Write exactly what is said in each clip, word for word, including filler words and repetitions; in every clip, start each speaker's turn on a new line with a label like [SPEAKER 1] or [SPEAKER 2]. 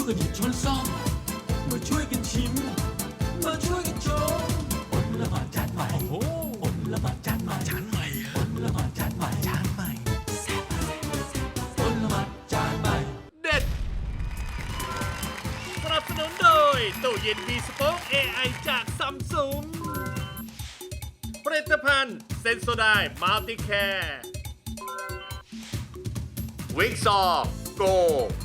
[SPEAKER 1] วยกันหยิบช้อนซ่อมมาช่วยกันชิมมาช่วยกันชมอดละหมาดจานใหม่โอ้อดละหมาดจานใหม่จานใหม่อดละหมาดจานใหม่จานใหม่อดละหมาดจานใหม่
[SPEAKER 2] เด็ดสนับสนุนโดยตู้เย็นมีสป็อค เอ ไอ จากซัมซุงผลิตภัณฑ์เซนโซไดมัลติแคร์วิกซอโก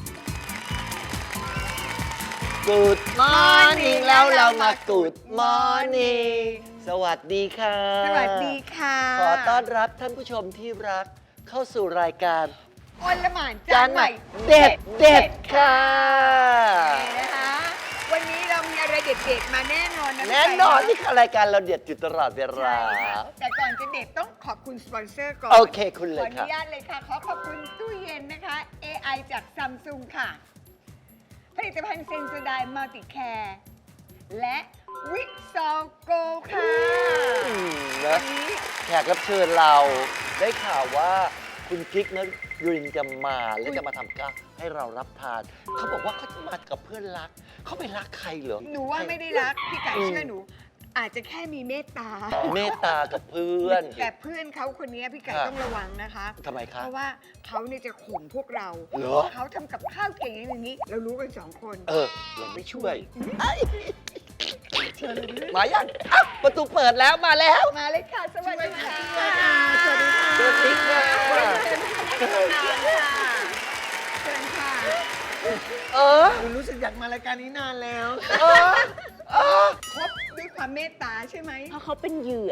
[SPEAKER 3] กูดมอร์นิ่งแล้วเรามากูดมอร์นิ่งสวัสดีค่ะ
[SPEAKER 4] สวัสดีค่ะ
[SPEAKER 3] ขอต้อนรับท่านผู้ชมที่รักเข้าสู่รายการ
[SPEAKER 4] อลหม่านจานใหม่
[SPEAKER 3] เด็ดเด็ดค่ะ
[SPEAKER 4] นะคะวันนี้เรามีอะไรเด็ดๆมาแน่นอนนะ
[SPEAKER 3] แน่นอนที่รายการเราเด็ดอยู่ตลอดเวลา
[SPEAKER 4] ใช่ค่ะแต่ก่อนจะเด็ดต้องขอบคุณสปอนเซอร์ก่อน
[SPEAKER 3] โอเคคุณเล
[SPEAKER 4] ขอย อ
[SPEAKER 3] ค่ะ
[SPEAKER 4] นุญาตเลยค่ะ ขอขอบคุณตู้เย็นนะคะ เอ ไอ จากซัมซุงค่ะ ผลิตภัณฑ์เซนโซไดมัลติแคร์และวิกซอโกค่ะ
[SPEAKER 3] อืมนะ
[SPEAKER 4] วันนี้
[SPEAKER 3] แขกรับเชิญเราได้ข่าวว่าคุณกิ๊กนะยุรินจะมาและจะมาทำข้าวให้เรารับทาน เขาบอกว่าเขาจะมากับเพื่อนรัก เขาไปรักใครเหรอ
[SPEAKER 4] หนูว่าไม่ได้รัก พี่ไก่
[SPEAKER 3] อืม
[SPEAKER 4] เชื่อหนู อาจจะแค่มีเมตตา
[SPEAKER 3] เมตตากับเพื่อน
[SPEAKER 4] แต่เพื่อนเขาคนนี้พี่ไก่
[SPEAKER 3] ค่ะ
[SPEAKER 4] ต้องระวังนะคะ
[SPEAKER 3] ทำไมคะ
[SPEAKER 4] เพราะว่าเขาเนี่ยจะข่มพวกเรา
[SPEAKER 3] เหรอ
[SPEAKER 4] เขาทำกับข้าวเก่งอย่างนี้ เรารู้กันสองคน
[SPEAKER 3] เออเราไม่ช่วยเอ้ยมายังอ่ะประตูเปิดแล้วมาแล้ว
[SPEAKER 4] มาเลยค่ะ สวัสดีค่ะ
[SPEAKER 3] สวัสดีค่ะสวัสดีค่ะ
[SPEAKER 4] เชิญค่ะเชิญค่ะ
[SPEAKER 3] เออ
[SPEAKER 5] รู้สึกอยากมารายการนี้นานแล้ว
[SPEAKER 3] เออเออ
[SPEAKER 4] คบด้วยความเมตตาใช่ไหม
[SPEAKER 6] เพราะเขาเป็นเหยื่อ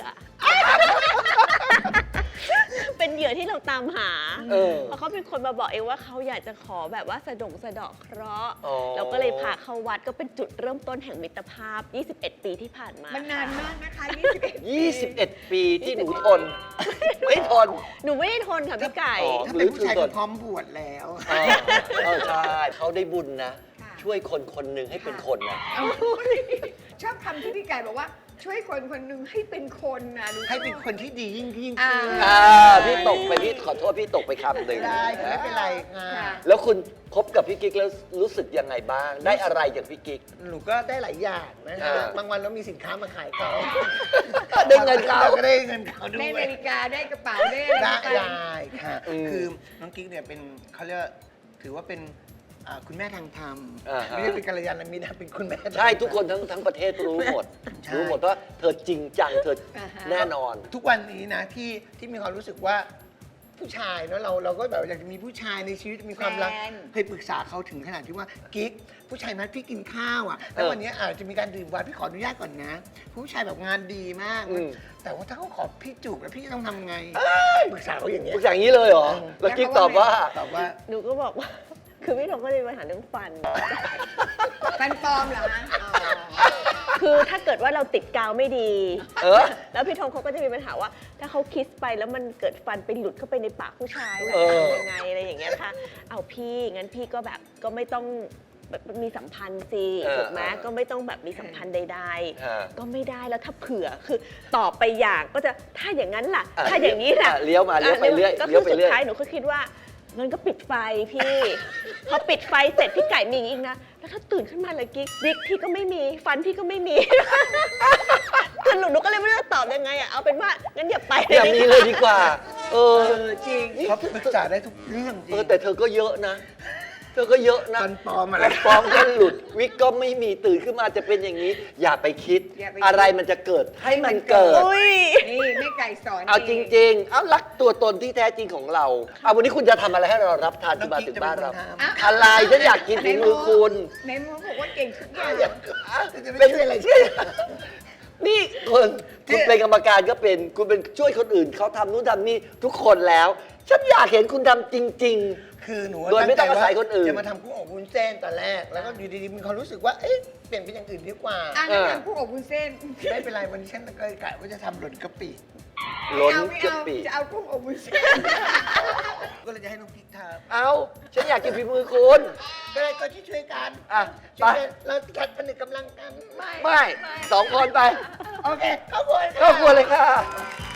[SPEAKER 6] เป็นเหยื่อที่เราตามหา
[SPEAKER 3] เออ
[SPEAKER 6] เพราะเขาเป็นคนมาบอกเองว่าเขาอยากจะขอแบบว่าสะดงสะเดาะเคราะห์
[SPEAKER 3] อ๋อ
[SPEAKER 6] เราก็เลยพาเข้าวัดก็เป็นจุดเริ่มต้นแห่งมิตรภาพ ยี่สิบเอ็ด ปีที่ผ่านมา
[SPEAKER 4] มันนาน
[SPEAKER 6] ค่ะ
[SPEAKER 4] มากนะคะยี่สิบเอ็ด
[SPEAKER 3] ยี่สิบเอ็ดปีที่หนูทน ไม่ทน
[SPEAKER 6] หนูไม่ได้ทนค่ะพี่ไก่
[SPEAKER 3] อ๋อ
[SPEAKER 5] ถ้าเป็นผู้ชายก็พร้อมบวชแล้ว
[SPEAKER 3] เออเออใช่เขาได้บุญนะ ช่วยคนคนหนึ่งให้เป็นคนนะ
[SPEAKER 4] ชอบคำที่พี่ไก่บอกว่าช่วยคนคนหนึ่งให้เป็นคนนะรู้
[SPEAKER 5] ให้เป็นคนที่ดียิ่งยิ่ง
[SPEAKER 4] อ่า
[SPEAKER 5] ขึ้น
[SPEAKER 3] อ่าพี่ตกไปพี่ขอโทษพี่ตกไปคำหนึ่ง
[SPEAKER 5] ได้ค่ะไม่เป็นไรค่ะ
[SPEAKER 4] ค่ะ
[SPEAKER 3] แล้วคุณคบกับพี่กิ๊กแล้วรู้สึกยังไงบ้าง ได้อะไรจากพี่กิ๊ก
[SPEAKER 5] หนูก็ได้หลายอย่างนะ
[SPEAKER 3] อ่า
[SPEAKER 5] คะบางวันเรามีสินค้ามาขายเขา
[SPEAKER 3] ได้เงินเขา
[SPEAKER 5] ก็ได้เงินเขาด้ว
[SPEAKER 4] ได้
[SPEAKER 5] ย
[SPEAKER 4] นาฬิกาได้กระเป๋าได้อะไร
[SPEAKER 5] ได้
[SPEAKER 4] ไป
[SPEAKER 5] ได้ค่ะ
[SPEAKER 3] อืม
[SPEAKER 5] คือน้องกิ๊กเนี่ยเป็นเขาเรียกว่าถือว่าเป็นอ่าคุณแม่ทางธรรม
[SPEAKER 3] อ่าฮะ
[SPEAKER 5] ไม่ได้เป็นกัลยาณมิตรนะเป็นคุณแม่ทางธรรม
[SPEAKER 3] ใช่ทุกคนทั้งทั้งประเทศรู้หมด
[SPEAKER 5] ใช่
[SPEAKER 3] รู้หมดว่าเธอจริงจังเธอแน่นอน
[SPEAKER 5] ทุกวันนี้นะที่ที่มีความรู้สึกว่าผู้ชายเนาะเราเราก็แบบอยากจะมีผู้ชายในชีวิตมีความรัก
[SPEAKER 4] แฟน
[SPEAKER 5] เคยปรึกษาเขาถึงขนาดที่ว่ากิ๊กผู้ชายนัดพี่กินข้าวอ่ะแล้ว
[SPEAKER 3] เออ
[SPEAKER 5] วันนี้อาจจะมีการดื่มไวน์พี่ขออนุญาตก่อนนะ ผู้ชายแบบงานดีมาก
[SPEAKER 3] อืม
[SPEAKER 5] แต่ว่าถ้าเขาขอพี่จูบแล้วพี่จะต้องทำไงปรึกษาเขาอย่างเงี้ย
[SPEAKER 3] ทุกอย่างนี้เลยเหรอ แล้วกิ๊กตอบว่า
[SPEAKER 5] ตอบว่า
[SPEAKER 6] หนูก็บอกว่า คือพี่ทงก็เลยมีปัญหาเรื่องฟัน
[SPEAKER 4] ฟันปลอมเหรอคะอ๋อ
[SPEAKER 6] คือถ้าเกิดว่าเราติดกาวไม่ดี
[SPEAKER 3] เออ
[SPEAKER 6] แล้วพี่ทงเขาก็จะมีปัญหาว่า ถ้าเขาคิสไปแล้วมันเกิดฟันไปหลุดเข้าไปในปากผู้ชาย
[SPEAKER 3] เออ
[SPEAKER 6] ทำยังไงอะไรอย่างเงี้ยค่ะ เอาพี่งั้นพี่ก็แบบก็ไม่ต้องแบบมีสัมพันธ์สิถูกไหมก็ไม่ต้องแบบมีสัมพันธ์ใด
[SPEAKER 3] อ่า
[SPEAKER 6] ๆ ก็ไม่ได้แล้วถ้าเผื่อคือตอบไปอย่างก็จะถ้าอย่างนั้นล่ะ
[SPEAKER 3] อ่ะ
[SPEAKER 6] ถ้าอย่างนี้ล่ะ
[SPEAKER 3] อ่ะเลี้ยวมาเลี้ยวไปเรื่อย
[SPEAKER 6] ก็
[SPEAKER 3] เลี้
[SPEAKER 6] คื
[SPEAKER 3] ยว
[SPEAKER 6] อ
[SPEAKER 3] ไป
[SPEAKER 6] สุด
[SPEAKER 3] เรื่อย
[SPEAKER 6] ท้ายหนูก็คิดว่างั้นก็ปิดไฟพี่ พอปิดไฟเสร็จพี่ไก่มีอีกนะ แล้วถ้าตื่นขึ้นมาเลยกิ๊กบิ๊กพี่ก็ไม่มีฟันพี่ก็ไม่มี คือหนูหนูก็เลยไม่รู้จะตอบยังไงอ่ะเอาเป็นว่างั้นอย่าไป
[SPEAKER 3] อย่างนี้เลยดีกว่า เออ
[SPEAKER 5] เออจริงเขาปรึกษาได้ทุกเรื่องจริ
[SPEAKER 3] เอง อแต่เธอก็เยอะนะ เธอก็เยอะนะ
[SPEAKER 5] ฟันปลอมอะไร
[SPEAKER 3] ฟันปลอมก็หลุด วิกก็ไม่มีตื่นขึ้นมาจะเป็นอย่างนี้ อย่าไปคิด
[SPEAKER 4] อย่าไปคิด
[SPEAKER 3] อะไรมันจะเกิดให้มันเกิด
[SPEAKER 6] อุ้ย
[SPEAKER 4] นี่แม่ไก่สอน
[SPEAKER 3] เอาจริง ๆ เอารักตัวตนที่แท้จริงของเรา เอาวันนี้คุณจะทำอะไรให้เรารับทานที่มาถึงบ้านเรา
[SPEAKER 4] อ่ะ
[SPEAKER 3] อะไรฉันอยากกินฝีมือคุณ
[SPEAKER 4] ในมือบอกว่าเก่งทุกอย่าง
[SPEAKER 5] เป็นอะไรช่วย
[SPEAKER 3] นี่คุณคุณเป็นกรรมการก็เป็น คุณเป็นช่วยคนอื่นเขาทำนู่นทำนี่ทุกคนแล้ว ฉันอยากเห็นคุณทำจริง
[SPEAKER 5] คือหนู
[SPEAKER 3] โดยไม่ต้องอาศัยคนอื่น
[SPEAKER 5] จะมาทำกุ้งอบวุ้นเส้นตอนแรก แล้วก็อยู่ดีๆมีความรู้สึกว่า เอ๊ะ เปลี่ยนเป็นอย่างอื่นดีกว่า
[SPEAKER 4] อ่ะงั้นทำผู้อบวุ้นเส้น
[SPEAKER 5] ไม่เป็นไรวันนี้ฉันก็กะว่าจะทำหล่นกะปิ
[SPEAKER 3] ๆ ล้น
[SPEAKER 4] เอาไม่
[SPEAKER 3] กะ
[SPEAKER 4] เอา
[SPEAKER 3] ปิ
[SPEAKER 4] จะเอากุ้งอบวุ้นเส้น
[SPEAKER 5] ก็เลยจะให้น้องพริกท
[SPEAKER 3] เอาฉันอยากกินฝีมือคุณ
[SPEAKER 5] ำก็เลยก็ช่วยๆกัน
[SPEAKER 3] อ่ะ
[SPEAKER 5] ช่วยกันเราจัดผนึกกำลังกัน
[SPEAKER 4] ไม่
[SPEAKER 3] ไม่สองคนไป
[SPEAKER 5] โอเคเข้าครัว
[SPEAKER 3] เข้าครัวเลยค่ะ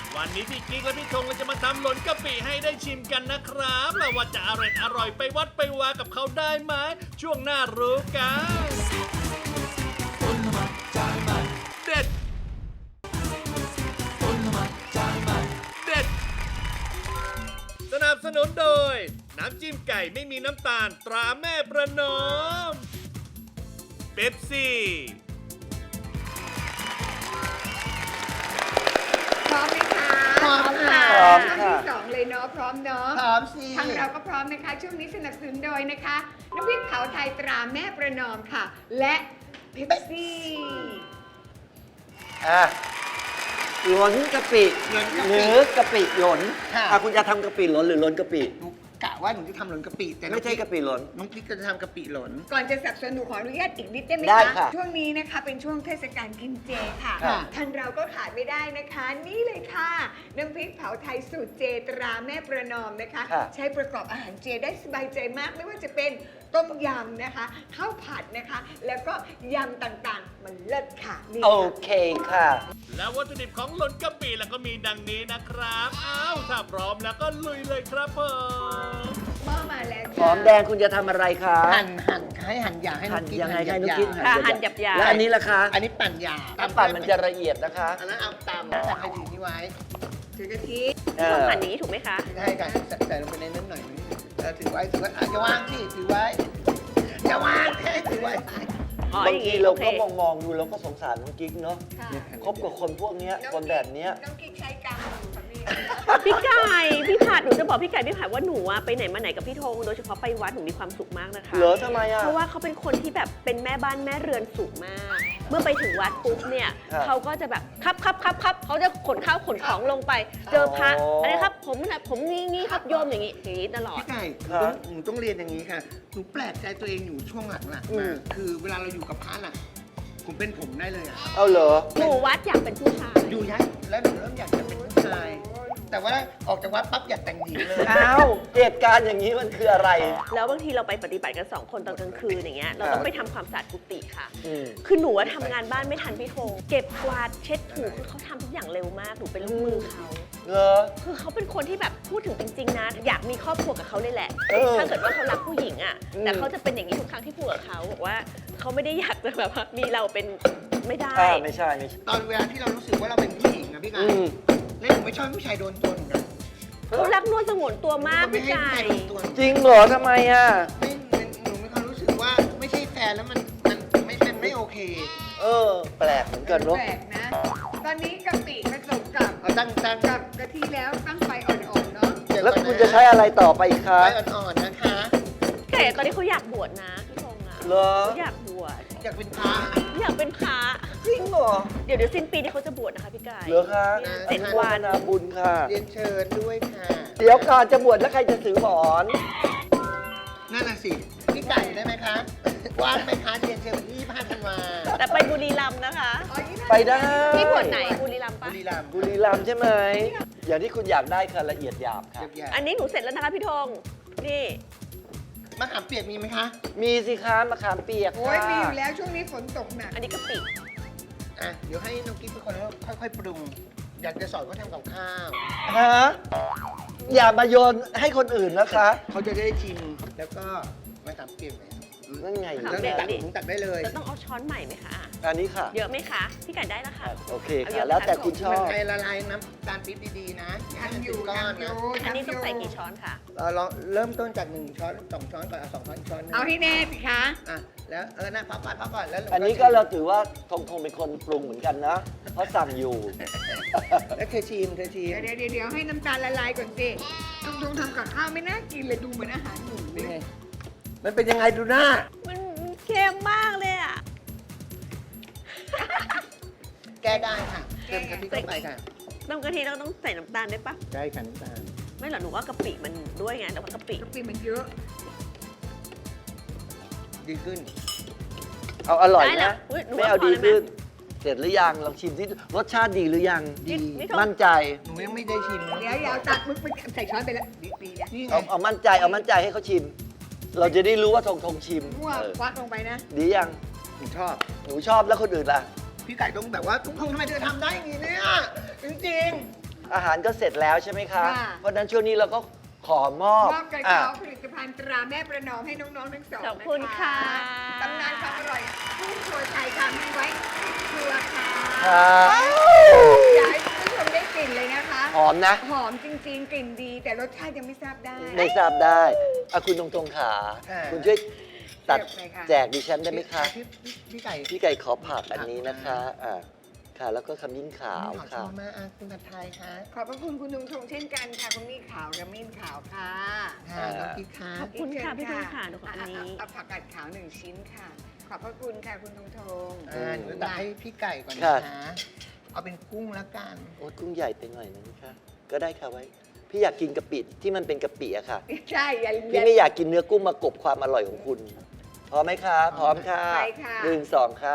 [SPEAKER 2] วันนี้พี่กิ๊กและพี่ธงเราจะมาทำหล่นกะปิให้ได้ชิมกันนะครับแล้วว่าจะอร่อยอร่อยไปวัดไปวากับเขาได้ไหมช่วงหน้ารู้กัน
[SPEAKER 1] คนละหมาดจานใหม่
[SPEAKER 2] เด็ด
[SPEAKER 1] คนละหมาดจานใหม่
[SPEAKER 2] เด็ด สนับสนุนโดย น้ำจิ้มไก่ไม่มีน้ำตาลตราแม่ประนอมเป๊ปซี่
[SPEAKER 4] พร้อมไหมคะ
[SPEAKER 5] พร้อมค่ะ
[SPEAKER 3] พร้อม
[SPEAKER 4] ช่วง
[SPEAKER 3] ค่ะ
[SPEAKER 4] ที่สองเลยเนาะพร้อมเนาะ
[SPEAKER 5] พร้อมสิ
[SPEAKER 4] ทางเราก็พร้อมนะคะ ช่วงนี้สนับสนุนโดยนะคะน้ำพริกเผาไทยตราแม่ประนอมค่ะ และเพ็ปซี่
[SPEAKER 3] อ่ะหล้นกะปิ
[SPEAKER 5] หล้นกะปิ
[SPEAKER 3] หรือกะปิหล้น
[SPEAKER 5] ค่ะ
[SPEAKER 3] อ่ะคุณจะทำกะปิหล้นหรือหล้นกะปิ
[SPEAKER 5] หนูกะว่าหนูจะทำหล่นกะปิแต่น้อง
[SPEAKER 3] ไม่ใช่กะปิหล้น
[SPEAKER 5] น้องกิ๊กก็จะทำกะปิหล่น
[SPEAKER 4] ก่อนจะสนับสนุนขออนุญาตอีกนิดได้ไหม
[SPEAKER 3] ได้
[SPEAKER 4] คะ
[SPEAKER 3] ค่ะ
[SPEAKER 4] ช่วงนี้นะคะเป็นช่วงเทศกาลกินเจค่ะ
[SPEAKER 5] ค่ะ
[SPEAKER 4] ทางเราก็ขาดไม่ได้นะคะ นี่เลยค่ะน้ำพริกเผาไทยสูตรเจตราแม่ประนอมนะคะ
[SPEAKER 3] ค่ะ
[SPEAKER 4] ใช้ประกอบอาหารเจได้สบายใจมากไม่ว่าจะเป็นต้มยำนะคะข้าวผัดนะคะ แล้วก็ยำต่างๆ มันเลิศค่ะนี่
[SPEAKER 3] โอ
[SPEAKER 4] ค่ะ
[SPEAKER 3] เคค่ะ
[SPEAKER 2] แล้ววัตถุดิบของหล่นกะปิแล้วก็มีดังนี้นะครับ อ้าว ถ้าพร้อมแล้วก็ลุยเลยครับผม
[SPEAKER 4] หม้อมาแล้ว
[SPEAKER 3] หอมแดงคุณจะทำอะไรคะ
[SPEAKER 5] หั่นหั่นให้หั่นหยาบให้น้
[SPEAKER 3] หั่
[SPEAKER 5] อน งกิ๊ก
[SPEAKER 3] ยังไง
[SPEAKER 5] หั่นห
[SPEAKER 3] ให้
[SPEAKER 5] ยา
[SPEAKER 3] นุก
[SPEAKER 5] บ
[SPEAKER 3] กิ๊ก
[SPEAKER 5] ๆ
[SPEAKER 6] ค่ะหั่นหยาบๆ
[SPEAKER 3] แล้วอันนี้ล่ะคะ
[SPEAKER 5] อันนี้ปั่นหยาบ
[SPEAKER 3] ถ้าปั่นมันจะละเอียดนะคะ
[SPEAKER 5] อันนั้นเอาตำใส่ถือนี่ไว้
[SPEAKER 4] ถือกะทิ
[SPEAKER 3] เอ
[SPEAKER 6] ต้อ
[SPEAKER 3] อง
[SPEAKER 6] หั่นอย่างนี้ถูกไหมคะ
[SPEAKER 5] ใช่กันใส่ใส่ลงไปในนั้นหน่อยนึงเออถือไว้ถือไว้อ่ะจะวางสิถือไว้จะวางแค่ถือไว้
[SPEAKER 6] อ๋อบ
[SPEAKER 3] าง
[SPEAKER 6] อย่าง
[SPEAKER 3] ที
[SPEAKER 6] นี้
[SPEAKER 3] เรา
[SPEAKER 6] โอเค
[SPEAKER 3] ก็มองมองๆดูแล้วก็สงสารน้องกิ๊กเนาะ
[SPEAKER 4] ค่ะ
[SPEAKER 3] คบกับคนพวกเนี้ยคนแบบเนี้ย
[SPEAKER 4] น้องกิ๊กใช้กลางมือค่ะพี่
[SPEAKER 6] พี่ไก่พี่ผัดหนูจะบอกพี่ไก่พี่ผัดว่าหนูอะไปไหนมาไหนกับพี่ธงโดยเฉพาะไปวัดหนูมีความสุขมากนะคะ
[SPEAKER 3] เหรอทำไมอ่ะ
[SPEAKER 6] เพราะว่าเขาเป็นคนที่แบบเป็นแม่บ้านแม่เรือนสูงมาก เมื่อไปถึงวัดปุ๊บเนี่ย
[SPEAKER 3] ครับ
[SPEAKER 6] เขาก็จะแบบครับครับครับครับเขาจะขนข้าวขนของลงไป เจอพระ
[SPEAKER 3] อ๋ออั
[SPEAKER 6] อะไรครับผมนะผมงี้งี้ครับโยมอย่างงี้อย่างงี้ตลอด
[SPEAKER 5] พี่ไก่ห
[SPEAKER 3] ครั
[SPEAKER 5] นู
[SPEAKER 3] บ
[SPEAKER 5] ต้องหนูต้องเรียนอย่างนี้ค่ะ หนูแปลกใจตัวเองอยู่ช่วงหลังๆ
[SPEAKER 3] อื
[SPEAKER 5] มาม คือเวลาเราอยู่กับพระน่ะ ผมเป็นผมได้เลยอะ
[SPEAKER 3] เอาเหรอ
[SPEAKER 6] หนูวัดอยากเป็นผู้ชาย
[SPEAKER 5] อยู่ยักแล้วหนูเริ่มอยากจะเป็นผู้ชาย แต่ว่าออกจากวัดปั๊บอยากแต่งหญิงเลย
[SPEAKER 3] อ้าวเหตุการณ์อย่างนี้มันคืออะไร
[SPEAKER 6] แล้วบางทีเราไปปฏิบัติกันสองคนตอนกลางคืนอย่างเงี้ยเราต้องไปทำความสะอาดกุฏิค่ะ
[SPEAKER 3] อืม
[SPEAKER 6] คือหนูอะทำงานบ้านไม่ทันพี่ธงเก็บกวาดเช็ดถูคือเขาทำทุกอย่างเร็วมากหนูเป็นลูกมือเขา
[SPEAKER 3] เหรอ
[SPEAKER 6] คือเขาเป็นคนที่แบบพูดถึงจริง ๆ นะ อยากมีครอบครัวกับเขาเลยแหละ
[SPEAKER 3] เออ
[SPEAKER 6] ถ้าเกิดว่าเขารักผู้หญิงอ่ะ
[SPEAKER 3] อืม
[SPEAKER 6] แต่เขาจะเป็นอย่างนี้ทุกครั้งที่พูดกับเขาบอกว่าเขาไม่ได้อยากจะแบบว่ามีเราเป็นไม่ได้
[SPEAKER 3] อ่าไม่ใช่ไม่ใช่
[SPEAKER 5] ตอนเวลาที่เรารู้สึกว่าเราเป็นผู้หญิงอะพี่ไก่
[SPEAKER 3] อืม
[SPEAKER 5] แล้วหนูไม่ชอบให้ผู้ชายโดนตัวหนูนะ
[SPEAKER 6] เขารักนวลสงวนตัวมาก
[SPEAKER 5] ไม่
[SPEAKER 6] พี่
[SPEAKER 5] ให้
[SPEAKER 6] ไก่
[SPEAKER 5] ผู้ชายโดนตัวหนู
[SPEAKER 3] จริงเหรอทำไมอ่ะ
[SPEAKER 5] ไม่ไม่หนูมีความรู้สึกว่าไม่ใช่แฟนแล้วมันมันไม่เป็นไม่โอเค
[SPEAKER 3] เออ แปลกเหมือนกันเนาะ
[SPEAKER 4] แปลกนะ ตอนนี้กะปิผสมกับ
[SPEAKER 5] เอาตั้งตั้ง
[SPEAKER 4] กับกะทิแล้วตั้งไฟอ่อนๆเนาะ
[SPEAKER 5] เดี๋ย
[SPEAKER 3] แล้ว
[SPEAKER 5] ก่อนน
[SPEAKER 3] คุณจะใช้อะไรต่อไปอีกคะ
[SPEAKER 5] ไฟอ่อนๆนะคะ
[SPEAKER 6] ไก่ตอนนี้เขาอยากบวชนะพี่ธงอ่ะ
[SPEAKER 3] เหรอ
[SPEAKER 6] เขาอยากบวช
[SPEAKER 5] อยากเป็นพระ
[SPEAKER 6] อยากเป็นพระ
[SPEAKER 3] จริงเหรอ
[SPEAKER 6] เดี๋ยวเดี๋ยวสิ้นปีนี้เขาจะบวชนะคะพี่ไก่
[SPEAKER 3] เหรอคะ
[SPEAKER 6] เนี่ยเจ็ดวัน
[SPEAKER 3] นาบุญค่ะ
[SPEAKER 5] เรียนเชิญด้วยค่ะ
[SPEAKER 3] เดี๋ยวก่อนจะบวชแล้วใครจะถือหมอน
[SPEAKER 5] นั่นน่ะสิพี่ไก่ได้ไหมคะว่างไหมคะเรียนเชิญวันที่ยี่สิบห้าธันวา
[SPEAKER 6] แต่ไปบุรีรัมย์นะคะ
[SPEAKER 4] อ๋อยี่สิบห้า
[SPEAKER 3] ไปได้
[SPEAKER 6] พี่บวชไหนบุรีรัมย์
[SPEAKER 5] บุ
[SPEAKER 6] ปะ
[SPEAKER 5] รีรัมย์
[SPEAKER 3] บุรีรัมย์ใช่ไหม อย่างที่คุณอยากได้ค่ะละเอียดหยาบค่ะ
[SPEAKER 5] เยียบ
[SPEAKER 6] อันนี้หนูเสร็จแล้วนะคะพี่ธงนี่
[SPEAKER 5] ๆมะขามเปียกมีไหมคะ
[SPEAKER 3] มีสิคะมะขามเปียก
[SPEAKER 4] โอ้ย
[SPEAKER 3] ค่ะ
[SPEAKER 4] มีอยู่แล้วช่วงนี้ฝนตกหนัก
[SPEAKER 6] อันนี้กะปิ
[SPEAKER 5] อ่ะเดี๋ยวให้น้องกิ๊ฟเป็นคนค่อยๆปรุง อยากจะสอนเขาทำกับข้าว
[SPEAKER 3] ฮะอย่ามาโยนให้คนอื่นนะคะ
[SPEAKER 5] เขาจะได้ชิมแล้วก็มะขามเปียกไหม
[SPEAKER 3] นั่นไง
[SPEAKER 6] มะ
[SPEAKER 5] แล้ว
[SPEAKER 6] ขามเปียก
[SPEAKER 5] ตัก
[SPEAKER 6] ดิ
[SPEAKER 5] ถุงตักได้เลย
[SPEAKER 6] เราต้องเอาช้อนใหม่ไหมคะ
[SPEAKER 3] อันนี้ค่ะ
[SPEAKER 6] เยอะไหมคะ พี่ไก่ได้แล้วค่ะ
[SPEAKER 3] โอเค
[SPEAKER 6] เอาเย
[SPEAKER 3] ค่ะ
[SPEAKER 6] อะ
[SPEAKER 3] แล้วแต่
[SPEAKER 6] นะคะ
[SPEAKER 3] คุณชอ
[SPEAKER 5] มัน
[SPEAKER 3] บ
[SPEAKER 5] ใจละลายน้ำตาลปี๊บดีๆนะ
[SPEAKER 4] ทำอยู่
[SPEAKER 5] ก้อน
[SPEAKER 4] ทำอยู่
[SPEAKER 5] นะ
[SPEAKER 6] อันนี้ต้อง
[SPEAKER 4] ทำยู่
[SPEAKER 6] ใส่กี่ช้อนคะ
[SPEAKER 5] เราลองเริ่มต้นจากหนึ่งช้อนสองช้อนก่อนเอาสองช้อนอีกช้อนหนึง
[SPEAKER 4] เอาให้แน่สิคะ
[SPEAKER 5] อ่ะแล้วเออนะพักก่อนพักก่อนแล้ว
[SPEAKER 3] อันนี้ก็เราถือว่าทงทงเป็นคนปรุงเหมือนกันนะ เพราะสั่งอยู่
[SPEAKER 5] แล้วเธอชิมเธอชิม
[SPEAKER 4] เดี๋ยวเดี๋ยวเดี๋ยวให้น้ำตาลละลายก่อนสิต้องต้องทำกับข้าวไม่น่ากินเลยดูเหมือนอาหารหมูเล
[SPEAKER 5] นี่
[SPEAKER 4] ย
[SPEAKER 5] ไงมันเป็นยังไงดูหน้า
[SPEAKER 6] มันเค็มมากเลยอ่ะ
[SPEAKER 5] แก้ได้ค่ะเติมกะทิเข้าไปค่ะ
[SPEAKER 6] น้ำกะทิเราต้องใส่น้ำตาลได้ปะ
[SPEAKER 5] ได้ค่ะน้ำตาล
[SPEAKER 6] ไม่หรอกหนูว่ากะปิมันด้วยไงแต่ว่ากะปิ
[SPEAKER 4] กะปิมันเยอะ
[SPEAKER 5] ดีขึ้น
[SPEAKER 3] เอาอร่อย
[SPEAKER 6] ได้แล้
[SPEAKER 3] นะ
[SPEAKER 6] วอุ๊ยหนู
[SPEAKER 3] ไม่
[SPEAKER 6] ว่า
[SPEAKER 3] เอา
[SPEAKER 6] พอ
[SPEAKER 3] ดี
[SPEAKER 6] เลยไหม
[SPEAKER 3] ขึ้น เสร็จหรือยังลองชิมที่รสชาติดีหรือยัง
[SPEAKER 5] ดี
[SPEAKER 6] นี่ธง
[SPEAKER 3] มั่นใจ
[SPEAKER 5] หนูยังไม่ได้ชิม
[SPEAKER 4] เดี๋ยวเดี๋ยวตักมึกไปใส่ช้อนไปแล้วดีดีนะ
[SPEAKER 5] นี่ไง
[SPEAKER 3] เอาเอามั่นใจเอามั่นใจให้เขาชิม เราจะได้รู้ว่าทงทงชิม
[SPEAKER 4] มั่ว
[SPEAKER 3] เออ
[SPEAKER 4] ควักลงไปนะ
[SPEAKER 3] ดียัง
[SPEAKER 5] หนูชอบ
[SPEAKER 3] หนูชอบแล้วคนอื่นล่ะ
[SPEAKER 5] พี่ไก่ต้องแบบว่าทุกคนทำไมเธอทำได้อย่างนี้เนี่ยจริง
[SPEAKER 3] อาหารก็เสร็จแล้วใช่ไหมคะ
[SPEAKER 4] ค่ะ
[SPEAKER 3] เพราะฉะนั้นช่วงนี้เราก็ขอมอบ
[SPEAKER 4] มอบกระ
[SPEAKER 3] อ่ะ
[SPEAKER 4] เช้าผลิตภัณฑ์ตราแม่ประนอมให้น้องๆทั้งสอง
[SPEAKER 6] ขอบคุณค่ะ
[SPEAKER 4] ตำนานความอร่อยผู้ครัวไทยทำไว้ครัวค่ะ
[SPEAKER 3] ค่ะ
[SPEAKER 4] อยากให้คุณผู้ชมได้กลิ่นเลยนะคะ
[SPEAKER 3] หอมนะ
[SPEAKER 4] หอมจริงๆ กลิ่นดี แต่รสชาติยังไม่ทราบได้
[SPEAKER 3] ไม่ทราบได้อ่ะคุณตรงๆขา
[SPEAKER 5] ค่ะ
[SPEAKER 3] คุณช่วยตัด
[SPEAKER 4] เสิร์ฟเลยค่ะ
[SPEAKER 3] แจกดิฉันได้ไหมคะ
[SPEAKER 5] พี่พี่พี่ไก่
[SPEAKER 3] พี่ไก่ขอผักอันนี้นะคะอ่ะค่ะ แล้วก็ขมิ้นขาว
[SPEAKER 5] ขอช
[SPEAKER 3] ค่ะ
[SPEAKER 5] มมากอ่ะคุณผัดไทยคะ
[SPEAKER 4] ขอบพระคุณคุณลุงทงเช่นกันค่ะคุณมี่ขาวกระมิ้นขาวค่ะ
[SPEAKER 5] ค่ะน้องกิ๊กคะ
[SPEAKER 6] ขอบคุณค่ะพี่ธงค่ะเดี๋ยวขออันนี้
[SPEAKER 4] เอาผักกาดขาวหนึ่งชิ้นค่ะ ขอบพระคุณค่ะคุณทงทง
[SPEAKER 5] อ่าหนูตักให้พี่ไก่ก่อน
[SPEAKER 3] ค่ะ
[SPEAKER 5] นะคะเอาเป็นกุ้งแล้วกัน
[SPEAKER 3] โอ้ยกุ้งใหญ่ไปหน่อยนะคะก็ได้ค่ะไว้ พี่อยากกินกะปิที่มันเป็นกะปิอะค่ะ
[SPEAKER 4] ใช่อย่า
[SPEAKER 3] พี่ไม่อยากกินเนื้อกุ้งมากบความอร่อยของคุณ พร้อมไหมคะ พร้อมค่ะ
[SPEAKER 4] ไปค่ะ
[SPEAKER 3] หนึ่งสองค่ะ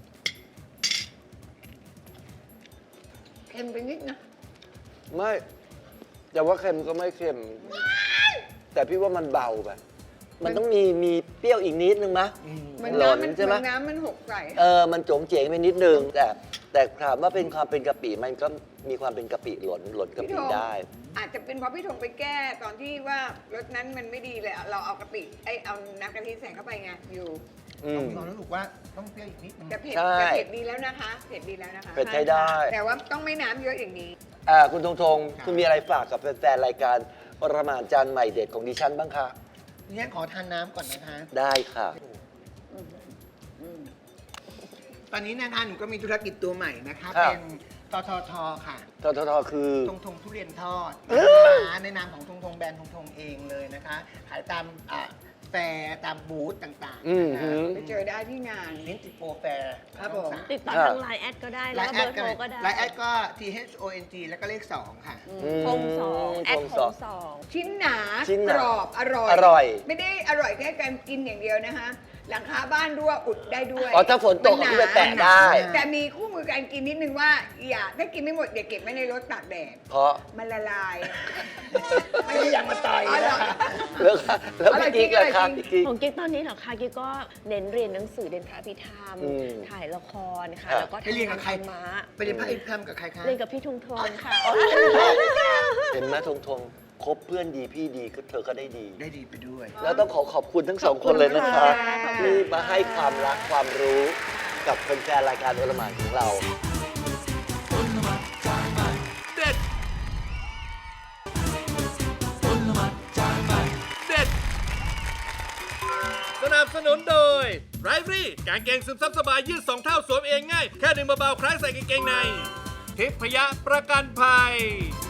[SPEAKER 4] เค็มไปนิดนะ
[SPEAKER 3] ไม่ แต่ว่าเค็มก็ไม่เค็ม แต่พี่ว่ามันเบาไป มันต้องมีมีเปรี้ยวอีกนิดนึงมะ
[SPEAKER 4] มัน
[SPEAKER 3] หล่น
[SPEAKER 4] น้ำมัน
[SPEAKER 3] ใช่ไหม
[SPEAKER 4] มันน้ำมันหกใส่
[SPEAKER 3] เออ มันโจงเจ๋งไปนิดนึง แต่แต่ถามว่าเป็นความเป็นกะปิมันก็มีความเป็นกะปิหล่นหล่นกะ
[SPEAKER 4] พี่
[SPEAKER 3] ปิ
[SPEAKER 4] ธง
[SPEAKER 3] ได้
[SPEAKER 4] อาจจะเป็นเพราะพี่ธงไปแก้ตอนที่ว่ารสนั้นมันไม่ดีเลยเราเอากะปิไอยเอาน้ำกะทิใส่เข้าไปไงอยู่
[SPEAKER 3] อื
[SPEAKER 5] ต้อง
[SPEAKER 3] ม
[SPEAKER 5] ลองรู้สึกว่าต้องเปรี้ยวอีกนิดนึง
[SPEAKER 4] แต่เผ็ด
[SPEAKER 3] ใช่
[SPEAKER 4] แต่เผ็ดดีแล้วนะคะ เผ็ดดีแล้วนะคะ
[SPEAKER 3] เผ็ดใช้ได้
[SPEAKER 4] แต่ว่าต้องไม่น้ำเยอะอย่างนี้
[SPEAKER 3] อ่าคุณธงธงคุณมีอะไรฝากกับแฟนๆรายการปรมาจารย์ใหม่เด็ดของดิฉันบ้างคะ
[SPEAKER 5] ดิฉันขอทานน้ำก่อนนะคะ
[SPEAKER 3] ได้ค่ะ
[SPEAKER 5] ตอนนี้นะคะหนูก็มีธุรกิจตัวใหม่นะคะ
[SPEAKER 3] ครับ
[SPEAKER 5] เป็นทททค่ะ
[SPEAKER 3] ทททคือ
[SPEAKER 5] ทงทงทุเรียนทอด
[SPEAKER 3] เอ้ย
[SPEAKER 5] นะคะในนามของทงทงแบรนด์ทงทงเองเลยนะคะ ขายตามอ่าแฟร์ตามบูธต่างๆ
[SPEAKER 3] อืม
[SPEAKER 5] นะคะ
[SPEAKER 3] หือ
[SPEAKER 4] ไปเจอได้ที่งาน
[SPEAKER 5] ลิ้นติดโปรแฟร์
[SPEAKER 4] ครับผม
[SPEAKER 6] ติดต่อ
[SPEAKER 3] ค่ะ
[SPEAKER 6] ทางไลน์แอดก็ได้
[SPEAKER 5] ไล
[SPEAKER 6] แล้ว
[SPEAKER 5] น์
[SPEAKER 6] ก็
[SPEAKER 5] แอ
[SPEAKER 6] เบอ
[SPEAKER 5] ด
[SPEAKER 6] ร์
[SPEAKER 5] ก็
[SPEAKER 6] โทรก็ได้
[SPEAKER 5] ไลน์แอดก็ T H O N G แล้วก็เลขสองค่ะ
[SPEAKER 6] คงสองแอด
[SPEAKER 3] คง
[SPEAKER 6] ค
[SPEAKER 3] สอง
[SPEAKER 6] งสอง
[SPEAKER 4] ชิ้นหนา
[SPEAKER 3] ชิ้นหนาก
[SPEAKER 4] รอบอร่อย
[SPEAKER 3] อร่อย
[SPEAKER 4] ไม่ได้อร่อยแค่การกินอย่างเดียวนะคะ หลังคาบ้านรั่วอุดได้ด้วย
[SPEAKER 3] อ๋อถ้าฝนตก
[SPEAKER 4] มั
[SPEAKER 3] ก็
[SPEAKER 4] ห
[SPEAKER 3] ไปแปะได้
[SPEAKER 4] แต่มีคู่มือการกินนิดนึงว่า อย่าถ้ากินไม่หมดอย่าเก็บไว้ในรถตากแดด
[SPEAKER 3] เพราะ
[SPEAKER 4] มันละลาย
[SPEAKER 5] ไม่ได้ยังมาต่อย
[SPEAKER 4] อ๋อเหรอ
[SPEAKER 5] นะคะ
[SPEAKER 3] แล้วค่ะแล้ว
[SPEAKER 4] อะไร
[SPEAKER 3] พี่กิ๊ก
[SPEAKER 4] จริง
[SPEAKER 3] ล่ะครับ
[SPEAKER 4] อะไรจริง
[SPEAKER 3] พี่กิ๊ก
[SPEAKER 6] ของกิ๊กตอนนี้เหรอคะกิ๊กก็เน้นเรียนหนังสือเรียนพระพิธรรม
[SPEAKER 3] อืม
[SPEAKER 6] ถ่ายละครค่ะ
[SPEAKER 3] ครับ
[SPEAKER 6] แล้วก็
[SPEAKER 5] ไปเรียนกับใคร
[SPEAKER 6] ทำธมะ
[SPEAKER 5] ไปเรียนพระอินทร์ธรรมกับใครคะ
[SPEAKER 6] เรียนกับพี่ทุงทงค่ะ
[SPEAKER 3] เห็นไหมทงทงคบเพื่อนดีพี่ดีก็เธอก็ได้ดี
[SPEAKER 5] ได้ดีไปด้วย
[SPEAKER 3] แล้วต้องขอขอบคุณทั้งสองคนเลยนะคะ
[SPEAKER 6] ขอบคุณค่ะ
[SPEAKER 3] ที่มาให้ความรักความรู้กับแฟนๆรายการโอลหมานของเรา
[SPEAKER 2] เด็ดเด็ด สนับสนุนโดยไรฟรี่กางเกงซึมซับสบายยืดสองเท่าสวมเองง่าย แค่ดึงเบาๆคล้ายใส่กางเกงในทิพยะประกันภัย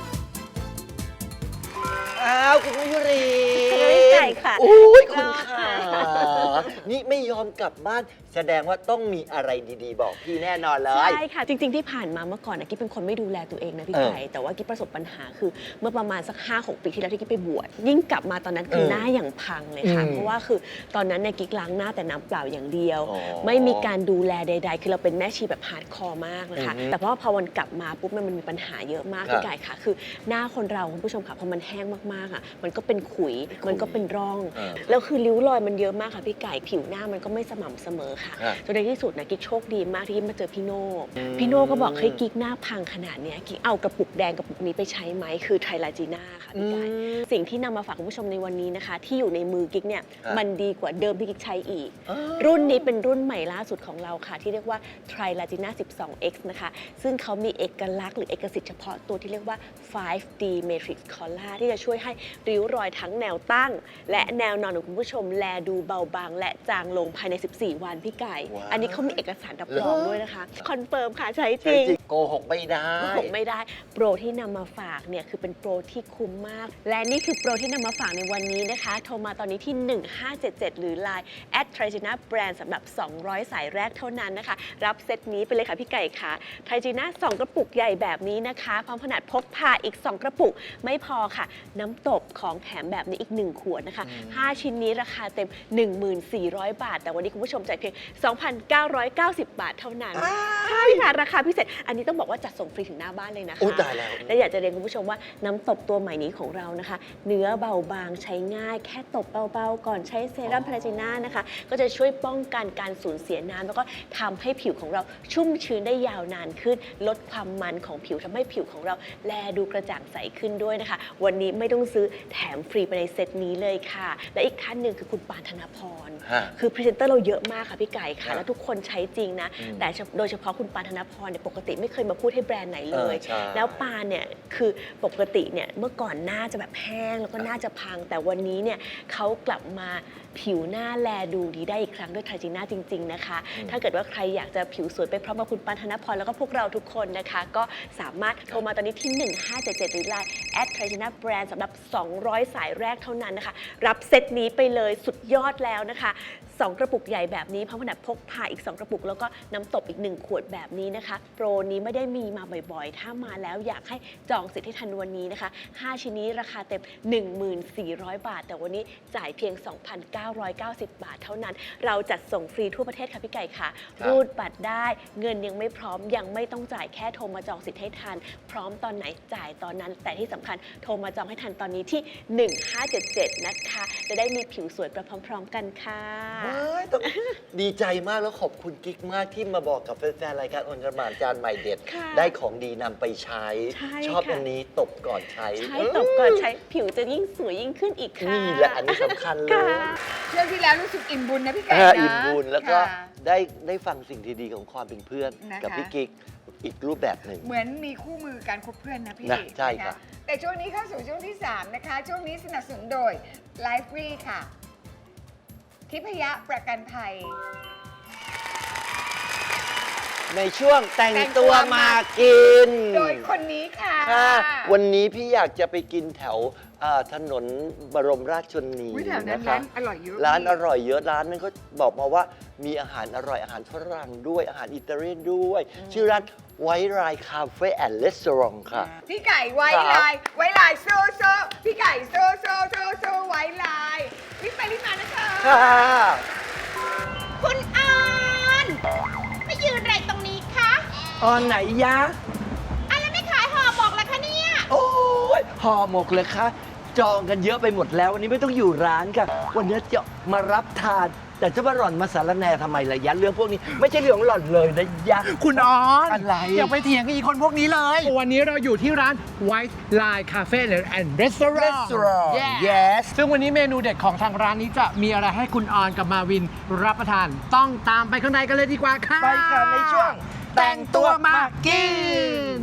[SPEAKER 3] อ้าวคุณมยุรี
[SPEAKER 6] คุณมยุรีค่ะ
[SPEAKER 3] โอ้ยคุณ
[SPEAKER 6] รอ
[SPEAKER 3] ค่ะ
[SPEAKER 6] ค่ะ
[SPEAKER 3] นี่ไม่ยอมกลับบ้าน แสดงว่าต้องมีอะไรดีๆ บอกพี่แน่นอนเลย
[SPEAKER 6] ใช่ค่ะ จริง ๆ ที่ผ่านมาเมื่อก่อนนะกิ๊บเป็นคนไม่ดูแลตัวเองนะพี่
[SPEAKER 3] เออ
[SPEAKER 6] ไก่แต่ว่ากิ๊บประสบปัญหาคือเมื่อประมาณสักห้าหกปีที่แล้วที่กิ๊บไปบวชยิ่งกลับมาตอนนั้นคือ
[SPEAKER 3] เออ
[SPEAKER 6] หน้าอย่างพังเลยค่ะ
[SPEAKER 3] อืม
[SPEAKER 6] เพราะว่าคือตอนนั้นเนี่ยกิ๊กล้างหน้าแต่น้ำเปล่าอย่างเดียว
[SPEAKER 3] อ๋อ
[SPEAKER 6] ไม่มีการดูแลใด ๆ คือเราเป็นแม่ชีแบบฮาร์ดคอร์มากนะคะ
[SPEAKER 3] อือฮึ
[SPEAKER 6] แต่พอพอวันกลับมาปุ๊บมันมันมีปัญหาเยอะมาก
[SPEAKER 3] ครับ
[SPEAKER 6] พี่ไก่ค่ะ คือหน้าคนเราคุณผู้ชมค่ะพอมันแห้งมากๆอ่ะมันก็เป็นขุยมันก็เป็นร่อง
[SPEAKER 3] เออ
[SPEAKER 6] แล้วคือริ้วรอยมันเยอะมากค่ะพี่ไก่ผิวหน้ามันก็ไม่สม่ำเสมอค่ะ
[SPEAKER 3] ครับ
[SPEAKER 6] จนในที่สุดนะกิ๊กโชคดีมากที่กิ๊กมาเจอพี่โน่
[SPEAKER 3] อืม
[SPEAKER 6] พี่โน่ก็บอกให้กิ๊กหน้าพังขนาดเนี้ยกิ๊กเอากระปุกแดงกระปุกนี้ไปใช้ไหมคือไทรลาจีน่าค่ะพี่ไก่สิ่งที่นำมาฝากคุณผู้ชมในวันนี้นะคะ ที่อยู่ในมือกิ๊กเนี่ย
[SPEAKER 3] ครับ
[SPEAKER 6] มันดีกว่าเดิมที่กิ๊กใช้อีก
[SPEAKER 3] อ๋อ
[SPEAKER 6] รุ่นนี้เป็นรุ่นใหม่ล่าสุดของเราค่ะ ที่เรียกว่า Trilagina สิบสอง เอ็กซ์ นะคะ ซึ่งเขามีเอกลักษณ์หรือเอกสิทธิ์เฉพาะตัวที่เรียกว่า ไฟว์ ดี Matrix Color ที่จะช่วยให้ริ้วรอยทั้งแนวตั้ง และแนวนอนของคุณผู้ชมแลดูเบาบาง และจางลงภายใน สิบสี่ วันพี่ไก่
[SPEAKER 3] ว้าว
[SPEAKER 6] อันนี้เขามีเอกสารรับรองด้วยนะคะ คอนเฟิร์มค่ะใช้จ
[SPEAKER 3] ใช่
[SPEAKER 6] ริง
[SPEAKER 3] จริงโกหกไม่ได้
[SPEAKER 6] ผมไม่ได้โปรที่นำมาฝากเนี่ยคือเป็นโปรที่คุ้มมาก และนี่คือโปรที่นำมาฝากในวันนี้นะคะ โทรมาตอนนี้ที่ หนึ่งห้าเจ็ดเจ็ด หรือ ไลน์ แอท ไทรจีน่า แบรนด์ สำหรับ สองร้อย สายแรกเท่านั้นนะคะ รับเซตนี้ไปเลยค่ะพี่ไก่ค่ะ ไทรจีน่า สอง กระปุกใหญ่แบบนี้นะคะพร้อมขนาดพกพาอีก สอง กระปุกไม่พอค่ะ น้ำตบของแถมแบบนี้อีก หนึ่ง ขวดนะคะ ห้า ชิ้นนี้ราคาเต็ม หนึ่งพันสี่ร้อย บาท แต่วันนี้คุณผู้ชมจ่ายเพียง สองพันเก้าร้อยเก้าสิบ บาทเท่านั้นใช่ค่ะราคาพิเศษอันนี้ต้องบอกว่าจัดส่งฟรีถึงหน้าบ้านเลยนะคะ
[SPEAKER 3] อุ๊ยตายแล้ว
[SPEAKER 6] และอยากจะเรียนคุณผู้ชมว่าน้ำตบตัวใหม่นี้ของเรานะคะ เนื้อเบาบางใช้ง่าย แค่ตบเบาๆก่อนใช้เซรั่มพาราจิน่านะคะก็จะช่วยป้องกันการสูญเสียน้ำแล้วก็ทำให้ผิวของเราชุ่มชื้นได้ยาวนานขึ้น ลดความมันของผิวทำให้ผิวของเราแลดูกระจ่างใสขึ้นด้วยนะคะ วันนี้ไม่ต้องซื้อแถมฟรีไปในเซตนี้เลยค่ะ และอีกท่านหนึ่งคือคุณปานธนพร
[SPEAKER 3] ฮะ
[SPEAKER 6] คือพรีเซนเตอร์เราเยอะมากค่ะพี่ไก่ค่ะ
[SPEAKER 3] ครับ
[SPEAKER 6] แล้วทุกคนใช้จริงนะ
[SPEAKER 3] อืม
[SPEAKER 6] แต่โดยเฉพาะคุณปานธนพรเนี่ยปกติไม่เคยมาพูดให้แบรนด์ไหนเลย
[SPEAKER 3] เออใช่
[SPEAKER 6] แล้วปานเนี่ยคือปกติเนี่ยเมื่อก่อนหน้าจะแบบแห้งแล้วก็หน้าจะพัง แต่วันนี้เนี่ยเขากลับมาผิวหน้าแลดูดีได้อีกครั้งด้วยทาจิน่าจริงๆนะคะ ถ้าเกิดว่าใครอยากจะผิวสวยไปพร้อมกับคุณปานธนพรแล้วก็พวกเราทุกคนนะคะ ก็สามารถโทรมาตอนนี้ที่ หนึ่งห้าเจ็ดเจ็ด หรือไลน์แอดทาจิน่าแบรนด์สำหรับ สองร้อย สายแรกเท่านั้นนะคะ รับเซตนี้ไปเลยสุดยอดแล้วนะคะสองกระปุกใหญ่แบบนี้พร้อมขนาดพกพาอีกสองกระปุกแล้วก็น้ำตบอีกหนึ่งขวดแบบนี้นะคะโปรนี้ไม่ได้มีมาบ่อยๆ ถ้ามาแล้วอยากให้จองสิทธิ์ให้ทันวันนี้นะคะห้าชิ้นนี้ราคาเต็ม หนึ่งหมื่นสี่ร้อย บาท แต่วันนี้จ่ายเพียง สองพันเก้าร้อยเก้าสิบ บาทเท่านั้น เราจัดส่งฟรีทั่วประเทศค่ะพี่ไก่ค่ะรูดบัตรได้เงินยังไม่พร้อมยังไม่ต้องจ่ายแค่โทรมาจองสิทธิ์ให้ทันพร้อมตอนไหนจ่ายตอนนั้น แต่ที่สำคัญโทรมาจองให้ทันตอนนี้ที่หนึ่งห้าเจ็ดเจ็ดนะคะจะได้มีผิวสวยไปพร้อมๆกันค่ะ
[SPEAKER 3] ว้ายต้องดีใจมากแล้วขอบคุณกิ๊กมากที่มาบอกกับแฟนๆรายการอนกระหม่านจานใหม่เด็ด
[SPEAKER 6] ค่ะ
[SPEAKER 3] ได้ของดีนำไปใช้
[SPEAKER 6] ใช่
[SPEAKER 3] ชอบ
[SPEAKER 6] ค่ะ
[SPEAKER 3] อันนี้ตบก่อนใช้
[SPEAKER 6] ใช้ตบก่อนใช้ผิวจะยิ่งสวยยิ่งขึ้นอีกค่ะ
[SPEAKER 3] นี่แหละอันนี้สำคัญเลย
[SPEAKER 6] ค่ะ
[SPEAKER 4] เที่ยวที่แล้วรู้สึกอิ่มบุญนะพี่ไก่
[SPEAKER 3] เออ
[SPEAKER 4] นะ
[SPEAKER 3] อิ่มบุญแล้วก็
[SPEAKER 4] ค่ะ
[SPEAKER 3] ได้ได้ฟังสิ่งดีๆของความเป็นเพื่อน
[SPEAKER 4] นะคะ
[SPEAKER 3] กับพี่กิ๊กอีกรูปแบบหนึ่ง
[SPEAKER 4] เหมือนมีคู่มือการคบเพื่อนนะพี่
[SPEAKER 3] นะใช่
[SPEAKER 4] น
[SPEAKER 3] ครับ
[SPEAKER 4] แต่ช่วงนี้เข้าสู่ช่วงที่ สาม นะคะ ช่วงนี้สนับสนุนโดย Life Free ค่ะ ทิพยะประกันภัย
[SPEAKER 3] ในช่วงแต่ง
[SPEAKER 4] แต่งตั
[SPEAKER 3] ตัว
[SPEAKER 4] ว
[SPEAKER 3] มากิน
[SPEAKER 4] โดยคนนี้ค่ะ
[SPEAKER 3] ค่ะวันนี้พี่อยากจะไปกินแถวอ่าถนนบรมราชชนนี
[SPEAKER 4] อุ๊ยแถวนั้น
[SPEAKER 3] นะคะ
[SPEAKER 4] ร้านอร่อยเยอะ
[SPEAKER 3] ร้าน
[SPEAKER 4] พี่
[SPEAKER 3] อร่อยเยอะร้านนั้นก็บอกมาว่ามีอาหารอร่อยอาหารฝรั่งด้วยอาหารอิตาเลียนด้วย ชื่อร้านไวท์ไรคาเฟ่แอนด์รีสอร์ทค่ะ
[SPEAKER 4] พี่ไก่ไว้
[SPEAKER 3] ครับ
[SPEAKER 4] ลาย ไว้ลายโซโซพี่ไก่โซโซโซโซไว้ลายรีบไปรีบมานะคะ
[SPEAKER 3] ค่ะ
[SPEAKER 7] คุณออนมายืนอะไรตรงนี้คะ
[SPEAKER 8] ออนไหนยะ
[SPEAKER 7] อะไรไม่ขายห่อหมกล่ะคะเนี่ย
[SPEAKER 8] โอ้ยห่อหมกเลยคะจองกันเยอะไปหมดแล้ววันนี้ไม่ต้องอยู่ร้านค่ะ วันนี้จะมารับทาน แต่จะมาหล่อนมาสารแหนทำไมล่ะยะเรื่องพวกนี้ไม่ใช่เรื่องของหล่อนเลยนะยะ
[SPEAKER 9] คุณออน
[SPEAKER 8] อะไร
[SPEAKER 9] อย่าไปเถียงกับอีคนพวกนี้เลย วันนี้เราอยู่ที่ร้าน White Line Cafe and Restaurant
[SPEAKER 8] Restaurant
[SPEAKER 9] Yeah
[SPEAKER 8] yes
[SPEAKER 9] ซึ่งวันนี้เมนูเด็ดของทางร้านนี้จะมีอะไรให้คุณออนกับมาวินรับประทาน ต้องตามไปข้างในกันเลยดีกว่าค่ะ
[SPEAKER 8] ไปค่ะในช่วงแต่งตัวมากิน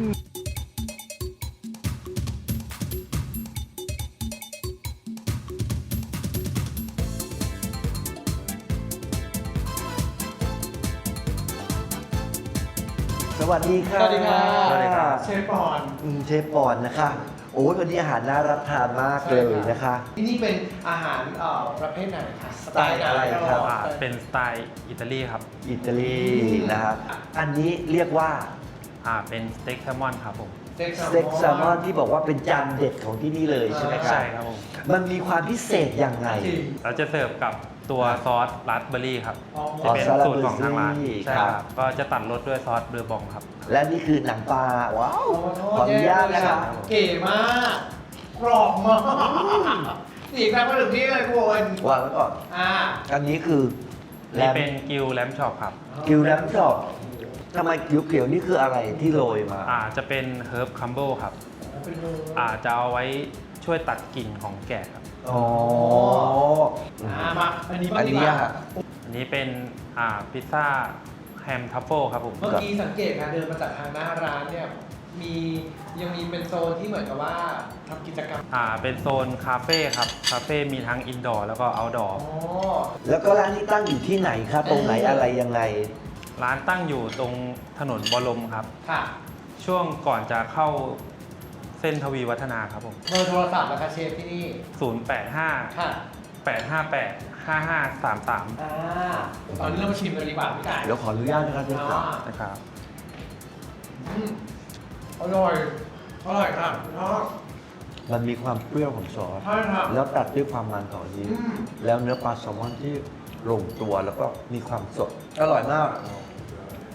[SPEAKER 8] สวัสดีค่ะ
[SPEAKER 9] สวัสดีครับ
[SPEAKER 8] สวัสดีครับ
[SPEAKER 9] เชฟปอน
[SPEAKER 8] อืมเชฟปอนนะคะ โอ้ยวันนี้อาหารน่ารับทานมากเลยนะคะ
[SPEAKER 9] ที่นี่เป็นอาหารเอ่อประเภทไหนคะ
[SPEAKER 8] สไตล์อะไรครับ
[SPEAKER 10] อ่าเป็นสไตล์อิตาลีครับ
[SPEAKER 8] อิตาลีนะครับอันนี้เรียกว่า
[SPEAKER 10] อ่า เป็นสเต็กแซลมอนครับผม
[SPEAKER 8] สเต็กแซลมอนที่บอกว่าเป็นจานเด็ดของที่นี่เลยใช่ไหมครับ
[SPEAKER 10] ใช่ครับผม
[SPEAKER 8] มันมีความพิเศษยังไง
[SPEAKER 10] เราจะเสิร์ฟกับตัวซอสราสเบอร์รี่ครับ
[SPEAKER 9] อ๋อ
[SPEAKER 10] จะเป็นสูตรของทางร้าน
[SPEAKER 8] อ๋อ
[SPEAKER 10] ใช่
[SPEAKER 8] ค
[SPEAKER 10] ค
[SPEAKER 8] รั
[SPEAKER 10] รับ บ ก็จะตัดรสด้วยซอสเบอร์บองครับ
[SPEAKER 8] และนี่คือหนังปลา ว้าว ขออนุญาตนะครับ
[SPEAKER 9] เก๋มากกรอบมากนี่ครับมาถึงที่เลยคุณ
[SPEAKER 8] วางไว้ก่อน
[SPEAKER 9] อ่า
[SPEAKER 8] อันนี้คือแล
[SPEAKER 10] นี่
[SPEAKER 8] ม
[SPEAKER 10] เป็นกิวแลมช็อปครับ
[SPEAKER 8] กิวแลมชอบทำไมเขียวๆนี่คืออะไรที่โรยมา
[SPEAKER 10] อ่า จะเป็นเฮิร์บคัมเบิลครับ อ่า จะเอาไว้ช่วยตัดกลิ่นของแกะครับ
[SPEAKER 8] อ๋อ
[SPEAKER 9] อ่ามาอันนี้บ้า
[SPEAKER 8] อั
[SPEAKER 9] ง
[SPEAKER 8] น
[SPEAKER 9] ดี
[SPEAKER 8] นี้
[SPEAKER 9] กว่า
[SPEAKER 8] อะ
[SPEAKER 10] อันนี้เป็น อ่า พิซซ่าแฮมทัฟเฟิลครับผม
[SPEAKER 9] เมื่อกี้สังเกตการเดินมาจากทางหน้าร้านเนี่ยมียังมีเป็นโซนที่เหมือนกับว่าทำกิจกรรม
[SPEAKER 10] อ่า เป็นโซนคาเฟ่ครับ คาเฟ่มีทั้งอินดอร์แล้วก็เอาท์ดอร์
[SPEAKER 9] อ๋อ
[SPEAKER 8] แล้วก็ร้านนี้ตั้งอยู่ที่ไหนคะตรงไหนอะไรยังไง
[SPEAKER 10] ร้านตั้งอยู่ตรงถนนบรมครับ
[SPEAKER 9] ค่ะ
[SPEAKER 10] ช่วงก่อนจะเข้าเส้นทวีวัฒนาครับผม
[SPEAKER 9] เบอร์โทรศัพท์นะคะเชฟที่นี่
[SPEAKER 10] ศูนย์ แปด ห้า
[SPEAKER 9] ค่ะ
[SPEAKER 10] แปด ห้า แปด ห้า ห้า สาม สาม
[SPEAKER 9] อ่าตอนนี้เรามาชิมกันดีกว่าพี่ไก่
[SPEAKER 8] เดี๋ยวขออนุญาตนะครับเชฟครับ
[SPEAKER 9] อ่า
[SPEAKER 10] นะครับ
[SPEAKER 9] อืมอร่อย อร่อยค่ะชอบ
[SPEAKER 8] มันมีความเปรี้ยวของซอส
[SPEAKER 9] ใช่ครับ
[SPEAKER 8] แล้วตัดด้วยความมันของนี้
[SPEAKER 9] อืม
[SPEAKER 8] แล้วเนื้อปลาแซลมอนที่ลงตัวแล้วก็มีความสด อร่อยมาก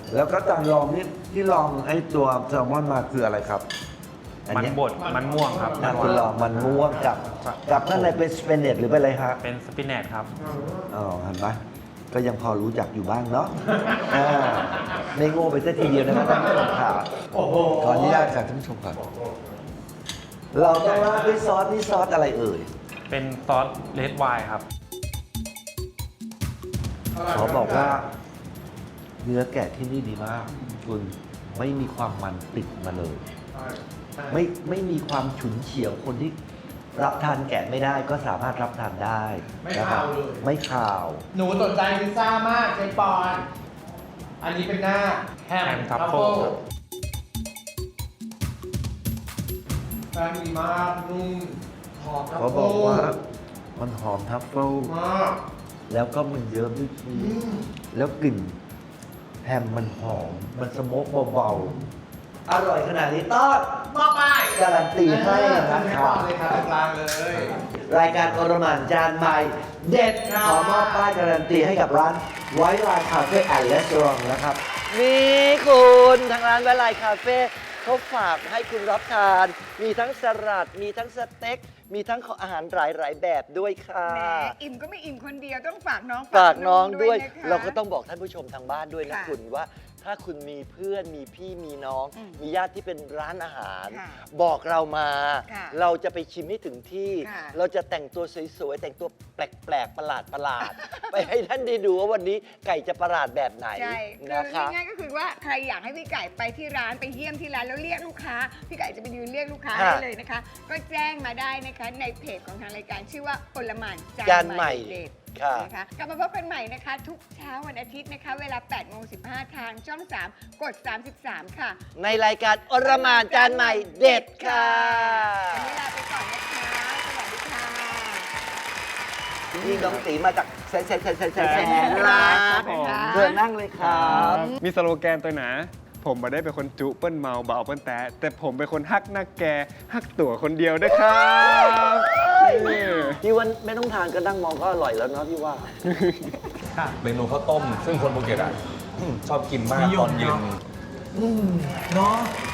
[SPEAKER 11] แล้วก็จานรองที่ที่ลองไอ้ตัวแซลมอนมาคืออะไรครับอั
[SPEAKER 10] มัน
[SPEAKER 11] เย
[SPEAKER 10] บดมันม่วงครับ
[SPEAKER 11] นะคุณลองมันม่วงกับกับข้างในเป็นสเปนเนตหรือเป็นอะไรครับ
[SPEAKER 10] เป็นสปินเนตครับ
[SPEAKER 11] อ๋อเห็นไหมก็ยังพอรู้จักอยู่บ้างเนาะอ่าไม่โง่ไปซะทีเดียวนะครับท่านผู้ชมค่ะขออนุญาตจากท่านผู้ชมก่อนเราต้องราดด้วยซอสนี่ซอสอะไรเอ่ย
[SPEAKER 10] เป็นซอสเลดไวน์ครับ
[SPEAKER 11] ขอบอกว่า เนื้อแกะที่นี่ดีมาก คุณไม่มีความมันติดมาเลย ไม่ไม่มีความฉุนเฉียวคนที่รับทานแกะไม่ได้ก็สามารถรับทานได้
[SPEAKER 9] ไม่
[SPEAKER 11] นะครับ
[SPEAKER 9] คาวเลย
[SPEAKER 11] ไม่ข่าว
[SPEAKER 9] หนูสนใจพิซซ่ามากเจปอน อันนี้เป็นหน้าแฮม
[SPEAKER 10] แฮมทัฟ
[SPEAKER 9] ทัฟ
[SPEAKER 10] เฟิ
[SPEAKER 9] เฟิ
[SPEAKER 10] ล
[SPEAKER 9] ลแป้งดีมากนุ่มหอมทัฟ
[SPEAKER 11] เขา
[SPEAKER 9] เฟิล
[SPEAKER 11] บอกว่ามันหอมทัฟเฟิล
[SPEAKER 9] มาก
[SPEAKER 11] แล้วก็มันเยิ้มด้วยชีสแล้วกลิ่นแฮมมันหอม มันสโมกเบาๆ อร่อยขนาดนี้ต้อน
[SPEAKER 9] มอบไป
[SPEAKER 11] การันตีให้นะ
[SPEAKER 9] ให้
[SPEAKER 11] ค
[SPEAKER 9] ก่
[SPEAKER 11] รั
[SPEAKER 9] อบ นเลยครับตรงกลางเลย
[SPEAKER 11] รายการอรหมานจานใหม่ เด็ด
[SPEAKER 9] ครับ
[SPEAKER 11] ขอมอบป้ายการันตีให้กับร้านไวท์ไลน์คาเฟ่แอนด์รีสอร์ทนะครับ
[SPEAKER 3] นี่คุณทางร้านไวไลคาเฟ่เขาฝากให้คุณรับทาน มีทั้งสลัด มีทั้งสเต็ก มีทั้งอาหารหลาย ๆ แบบด้วยค่ะ
[SPEAKER 4] แหมอิ่มก็ไม่อิ่มคนเดียวต้องฝากน้อง
[SPEAKER 3] ฝากน้องด้วย
[SPEAKER 4] นะคะ
[SPEAKER 3] เราก็ต้องบอกท่านผู้ชมทางบ้านด้วยนะ
[SPEAKER 4] ค่ะ
[SPEAKER 3] คุณว่า ถ้าคุณมีเพื่อนมีพี่มีน้อง
[SPEAKER 4] อืม
[SPEAKER 3] มีญาติที่เป็นร้านอาหาร
[SPEAKER 4] ค่ะ
[SPEAKER 3] บอกเรามา
[SPEAKER 4] ค่ะ
[SPEAKER 3] เราจะไปชิมให้ถึงที่
[SPEAKER 4] ค่ะ
[SPEAKER 3] เราจะแต่งตัวสวย ๆ แต่งตัวแปลก ๆ ประหลาดประหลาดๆ ไปให้ท่านได้ดูว่าวันนี้ไก่จะประหลาดแบบไหน
[SPEAKER 4] ใช่คือ
[SPEAKER 3] นะคะ
[SPEAKER 4] ง่ายๆก็คือว่าใครอยากให้พี่ไก่ไปที่ร้านไปเยี่ยมที่ร้านแล้วเรียกลูกค้า พี่ไก่จะไปยืนเรียกลูกค้า
[SPEAKER 3] ค่ะ
[SPEAKER 4] ให้เลยนะคะ ก็แจ้งมาได้นะคะในเพจของทางรายการชื่อว่าโอลหมาน
[SPEAKER 3] จา
[SPEAKER 4] จาน น
[SPEAKER 3] ให
[SPEAKER 4] ให
[SPEAKER 3] ม่
[SPEAKER 4] ม่เด็ด
[SPEAKER 3] ค่ะ
[SPEAKER 4] นะคะกลับมาพบกันใหม่นะคะ ทุกเช้าวันอาทิตย์นะคะ เวลาแปดโมงสิบห้าทางช่องสามกดสามสิบสามค่ะ
[SPEAKER 3] ในรายการอรหมานจานใหม่เด็ดค่ะ
[SPEAKER 4] วันนี้ลาไปก่อนนะคะ สวัสดีค่ะ
[SPEAKER 3] นี่น้องตีมาจากแสนแสนแสนแสนแสน
[SPEAKER 4] แสน
[SPEAKER 3] ล้า
[SPEAKER 4] ล้าน น
[SPEAKER 3] เชิญนั่งเลยครับ
[SPEAKER 12] มีสโลแกนตัวหนา ผมมาได้เป็นคนจุเปิ้ลเมาเบาเปิ้ลแตะแต่ผมเป็นคนฮักหน้าแกฮักตั๋วคนเดียวด้วยครับนี่
[SPEAKER 3] พี่ว่าไม่ต้องทานก็นั่งมองก็อร่อยแล้วเนาะพี่ว่า
[SPEAKER 13] เมนูข้าวต้ม ซึ่งคนภูเก็ตอ่ะ ชอบกินมากตอนเย็น
[SPEAKER 11] เนาะ